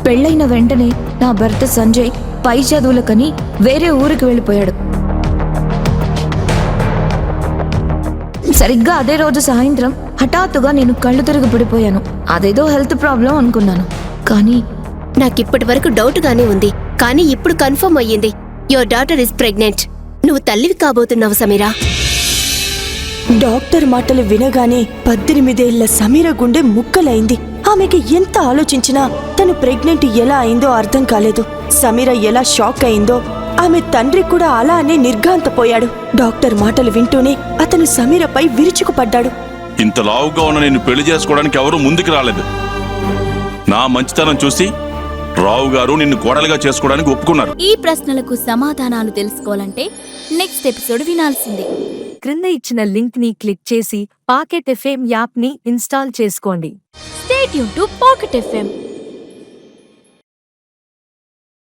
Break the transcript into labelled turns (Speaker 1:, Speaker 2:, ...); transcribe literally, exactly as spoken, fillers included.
Speaker 1: పెళ్ళైన వెంటనే నా భర్త సంజయ్ పై చదువులకని వేరే ఊరికి వెళ్ళిపోయాడు. సరిగ్గా అదే రోజు సాయంత్రం హఠాత్తుగా నేను కళ్ళు తిరిగి పడిపోయాను. అదేదో హెల్త్ ప్రాబ్లం అనుకున్నాను. కానీ
Speaker 2: నాకిప్పటి వరకు డౌట్ గానే ఉంది, కానీ ఇప్పుడు కన్ఫర్మ్ అయ్యింది. Your daughter is pregnant. నువ్వు తల్లివి కాబోతున్నావు సమీరా.
Speaker 3: డాక్టర్ మాటలు వినగానే పద్దెనిమిదేళ్ల సమీర గుండె ముక్కలైంది. ఆమెకి ఎంత ఆలోచించినా తను ప్రెగ్నెంట్ ఎలా అయిందో అర్థం కాలేదు. సమీర ఎలా షాక్ అయిందో ఆమె తండ్రి కూడా అలానే నిర్ఘాంతపోయాడు. డాక్టర్ మాటలు వింటూనే అతను సమీరపై విరుచుకుపడ్డాడు.
Speaker 4: ఇంత లావుగా ఉన్న నేను పెళ్లి చేసుకోవడానికి ఎవరూ ముందుకు రాలేదు. నా మంచితనం చూసి రావు గారు నిన్ను కోడలుగా చేసుకోవడానికి ఒప్పుకున్నారు.
Speaker 5: ఈ ప్రశ్నలకు సమాధానాలు తెలుసుకోవాలంటే నెక్స్ట్ ఎపిసోడ్ వినాల్సిందే.
Speaker 6: క్రింద ఇచ్చిన లింక్ ని క్లిక్ చేసి పాకెట్ ఎఫ్ఎం యాప్ ని ఇన్స్టాల్ చేసుకోండి.
Speaker 5: Stay tune to Pocket FM.